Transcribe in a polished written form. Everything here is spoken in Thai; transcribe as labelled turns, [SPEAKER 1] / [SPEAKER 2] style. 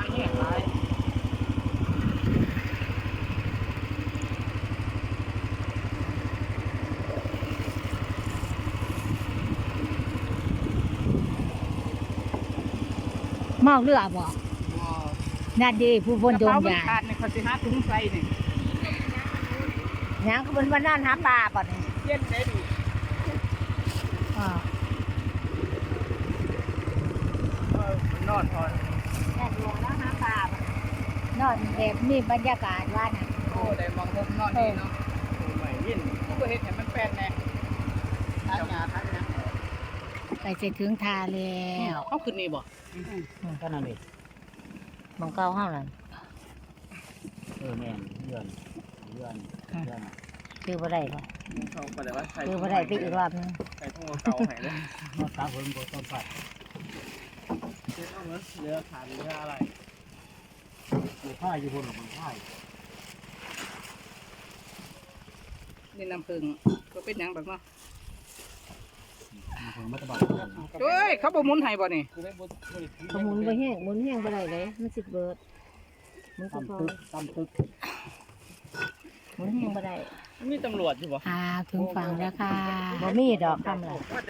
[SPEAKER 1] แห้งหลาย
[SPEAKER 2] เมาเรือบ่นั่นดีผู้บนโยงยา
[SPEAKER 1] ขาดในเขาสิหาถุงใส่นี่
[SPEAKER 2] ยังก็เป็นวันนั้นหาปลาป่ะนี่
[SPEAKER 1] เย็นได้ดิ
[SPEAKER 2] อ่าน
[SPEAKER 1] อนพอ
[SPEAKER 2] แน่ดวงแล้วหาปลาป่ะนอนแบบนี้บรรยากาศว่าน่ะ
[SPEAKER 1] โอ้ได้มองมุมนอนดีเนาะโอ้ไม่ยินผู้บ่เฮ็ดให้มันแปลนแน่ทักงาทักนะ
[SPEAKER 2] ไปเสร็จถึงทาแล้ว
[SPEAKER 1] เขาขึ้นนี่บ่
[SPEAKER 3] ก็นั่นเอง
[SPEAKER 2] มองเก้าห้าหลัง
[SPEAKER 3] แม่นเดือนเดือน
[SPEAKER 2] คือบ่ได้บ่
[SPEAKER 1] เขาไปเลยว่าใส่
[SPEAKER 2] คือบ่ได้ไปอีกรอบนึง
[SPEAKER 1] ใส่ถุงเก่าให้เลย
[SPEAKER 3] มาตาผมบ่ต้องปัด
[SPEAKER 1] เฮ็ดเอาเหมือนเรือขาดเรืออะไร
[SPEAKER 3] อยู่ผ้าอยู่บนของผ้า
[SPEAKER 1] นี่น้ำผึ้งก็เป็นหยังแบบเนาะ
[SPEAKER 3] ถึงมัตบัด
[SPEAKER 1] เฮ้ยเขาบ่หมุนให้บ่นี่
[SPEAKER 2] ขมุนบ่แห้งหมุนแห้งบ่ได้เลยมันสิเบิดมันก็พอ
[SPEAKER 3] ตำตึก
[SPEAKER 2] หมุนแห้งบ่ได้
[SPEAKER 1] มีตำรวจอยู่บ่
[SPEAKER 2] ถึงฝั่งแล้วค่ะบ่มีดอกทำอะไร